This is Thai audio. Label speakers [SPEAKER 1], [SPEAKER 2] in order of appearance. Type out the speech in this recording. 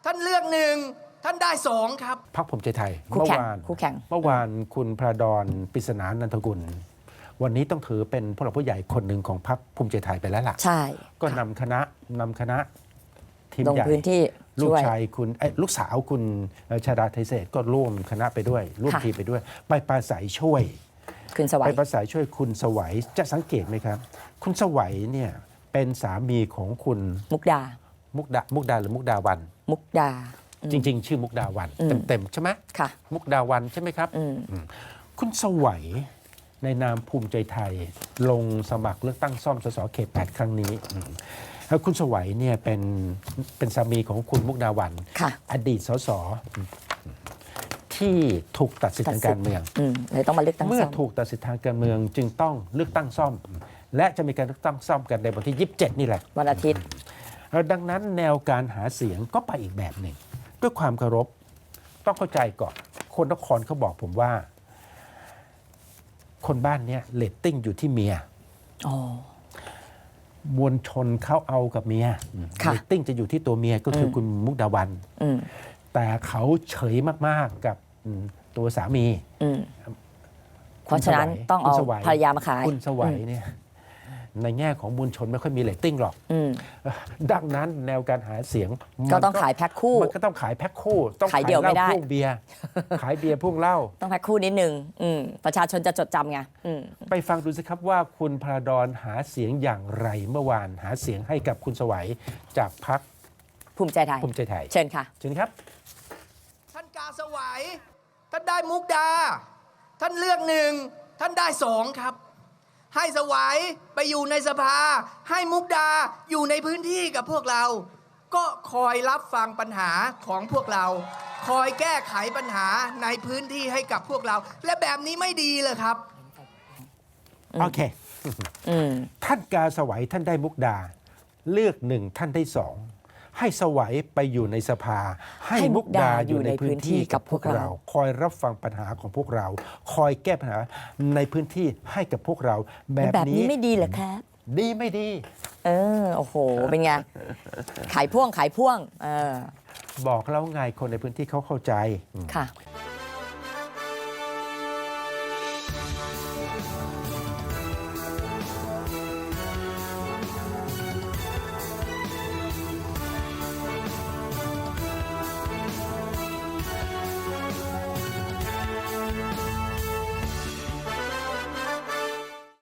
[SPEAKER 1] ท่านเลือกหนึ่งท่านได้สองครับ
[SPEAKER 2] พรรคภูมิใจไทย
[SPEAKER 3] คู่แข่ง
[SPEAKER 2] เมื่อวานคุณพระดอนปริศนานันทกุล วันนี้ต้องถือเป็นผู้หลักผู้ใหญ่คนหนึ่งของพรรคภูมิใจไทยไปแล้วล่ะ
[SPEAKER 3] ใช่
[SPEAKER 2] ก็นำคณะทีม
[SPEAKER 3] ลง
[SPEAKER 2] ใหญ่
[SPEAKER 3] พื้นที่
[SPEAKER 2] ลูก
[SPEAKER 3] ช่วย
[SPEAKER 2] ชายคุณลูกสาวคุณชาดาไทยเศรษฐ์ก็ร่วมคณะไปด้วยร่วม
[SPEAKER 3] ค่ะ
[SPEAKER 2] ทีมไปด้วย ไปปราศัยช่วย
[SPEAKER 3] คืนสวั
[SPEAKER 2] ไป
[SPEAKER 3] ย
[SPEAKER 2] ปราศัยช่วยคุณสวัยจะสังเกตไหมครับ คุณสวัยเนี่ยเป็นสามีของคุณ
[SPEAKER 3] มุกดา
[SPEAKER 2] มุกดาหรือมุกดาวัน
[SPEAKER 3] มุกดา
[SPEAKER 2] จริง ๆ ชื่อมุกดาวัน
[SPEAKER 3] อืม
[SPEAKER 2] เต็มๆใช่ไหม
[SPEAKER 3] ค่ะ
[SPEAKER 2] มุกดาวันใช่ไหมครับ
[SPEAKER 3] อืม
[SPEAKER 2] คุณสวัยในนามภูมิใจไทย ลงสมัครเลือกตั้งซ่อมสสเขต 8 ครั้งนี้แล้วคุณสวัยเนี่ยเป็นสามีของคุณมุกดาวัน
[SPEAKER 3] ค่ะ
[SPEAKER 2] อดีตสสที่ถูกตัดสิทธิทางการเมือง
[SPEAKER 3] เลยต้องมาเลือกตั้ง
[SPEAKER 2] เมื่อ
[SPEAKER 3] ซ่อม
[SPEAKER 2] ถูกตัดสิทธิทางการเมืองจึงต้องเลือกตั้งซ่อม และจะมีการเลือกตั้งซ่อมกันในวันที่ 27 นี่แหละ
[SPEAKER 3] วันอาทิตย์
[SPEAKER 2] ดังนั้นแนวการหาเสียงก็ไปอีกแบบหนึ่ง ด้วยความเคารพต้องเข้าใจก่อน คนนครเขาบอกผมว่า คนบ้านเนี้ยเรตติ้งอยู่ที่เมีย
[SPEAKER 3] อ๋อ
[SPEAKER 2] มวลชนเขาเอากับเมีย
[SPEAKER 3] ค่ะ
[SPEAKER 2] เรตติ้งจะอยู่ที่ตัวเมียก็คือคุณมุกดาวัน
[SPEAKER 3] อืม
[SPEAKER 2] แต่เขาเฉยมากๆกับตัวสามี
[SPEAKER 3] อืม เพราะฉะนั้นต้องเอา
[SPEAKER 2] คุณสวัย
[SPEAKER 3] ภรรยามาขาย
[SPEAKER 2] คุณสวัยเนี่ยในแง่ของมวลชนไม่ค่อยมีเรตติ้งหรอก
[SPEAKER 3] อืม
[SPEAKER 2] ดังนั้นแนวการหาเสียง
[SPEAKER 3] ก็ต้องขายแพ็คคู่
[SPEAKER 2] มันก็ต้องขายแพ็คคู่ ต้อง
[SPEAKER 3] ขายเดี่ยว
[SPEAKER 2] เหล้า
[SPEAKER 3] ไม่ได้
[SPEAKER 2] พ่วงเบียร์ ขายเบียร์พ่วงเหล้า
[SPEAKER 3] ต้องแพ็คคู่นิดนึงประชาชนจะจดจำไง
[SPEAKER 2] ไปฟังดูสิครับว่าคุณพระดอนหาเสียงอย่างไรเมื่อวานหาเสียงให้กับคุณสวัยจากพรรค
[SPEAKER 3] ภูมิใจไทย
[SPEAKER 2] ภูมิใจไทย
[SPEAKER 3] เชิญค่ะ
[SPEAKER 2] เชิญครับ
[SPEAKER 1] ท่านกาสวัยท่านได้มุกดา ท่านเลือกหนึ่งท่านได้สองครับ ให้สวัยไปอยู่ในสภา ให้มุกดาอยู่ในพื้นที่กับพวกเรา ก็คอยรับฟังปัญหาของพวกเรา คอยแก้ไขปัญหาในพื้นที่ให้กับพวกเรา และแบบนี้ไม่ดีเลยครับ
[SPEAKER 2] โอเค
[SPEAKER 3] อืม
[SPEAKER 2] ท่านกาสวัยท่านได้มุกดา เลือกหนึ่งท่านได้สองให้สวัยไปอยู่ในสภา ให้มุกดาอยู่ในพื้นที่กับพวกเรา คอยรับฟังปัญหาของพวกเรา คอยแก้ปัญหาในพื้นที่ให้กับพวกเรา แบบ
[SPEAKER 3] แบบ
[SPEAKER 2] นี้
[SPEAKER 3] นี้ไม่ดีเหรอครับ
[SPEAKER 2] ดีไม่ดี
[SPEAKER 3] โอ้โห เป็นไง ขายพ่วง
[SPEAKER 2] บอกแล้วไงคนในพื้นที่เขาเข้าใจ
[SPEAKER 3] ค่ะ